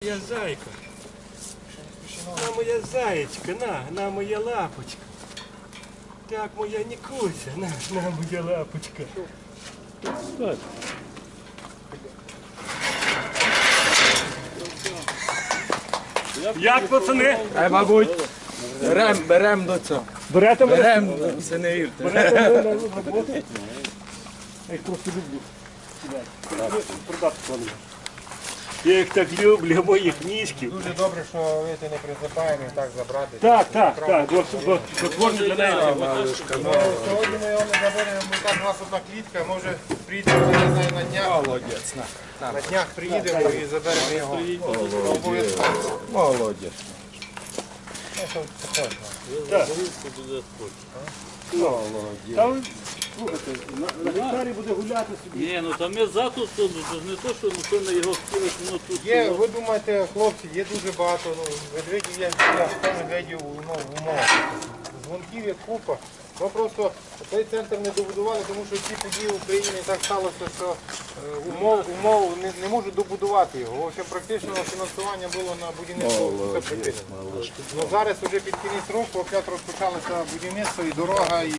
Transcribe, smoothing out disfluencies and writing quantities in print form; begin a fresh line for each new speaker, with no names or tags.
моя зайка. На моя заєчка, на моя лапочка. Так, моя Нікуся, на моя лапочка. Як, пацани?
Мабуть, берем до цього.
Берете мене?
Берем, це не вірте.
Берете мене на роботу? Я їх просто люблю. Продати планую. Я їх так люблю, моїх ніжків.
Дуже добре, що ви це не присипаємо і так забрати.
Так, бо творні для неї.
Сьогодні ми його не заберемо, бо так у нас одна клітка, може приїдемо, я не знаю, на днях.
Молодець.
На днях приїдемо і заберемо його. Обов'язково.
Молодець.
Там, слухайте, на гектарі буде гуляти собі.
Ні, ну там є затус, то не то, що ніхто на його хотілось, воно тут.
Є, ви думаєте, хлопці, є дуже багато, медведів є, 100 медведів в умовах. Дзвонків є купа. Ми просто цей центр не добудували, тому що ці події в Україні так сталося, що умов не можуть добудувати його. В общем, практично фінансування було на будівництво все припинено. Ну, зараз вже під кінець року опять розпочалося будівництво і дорога.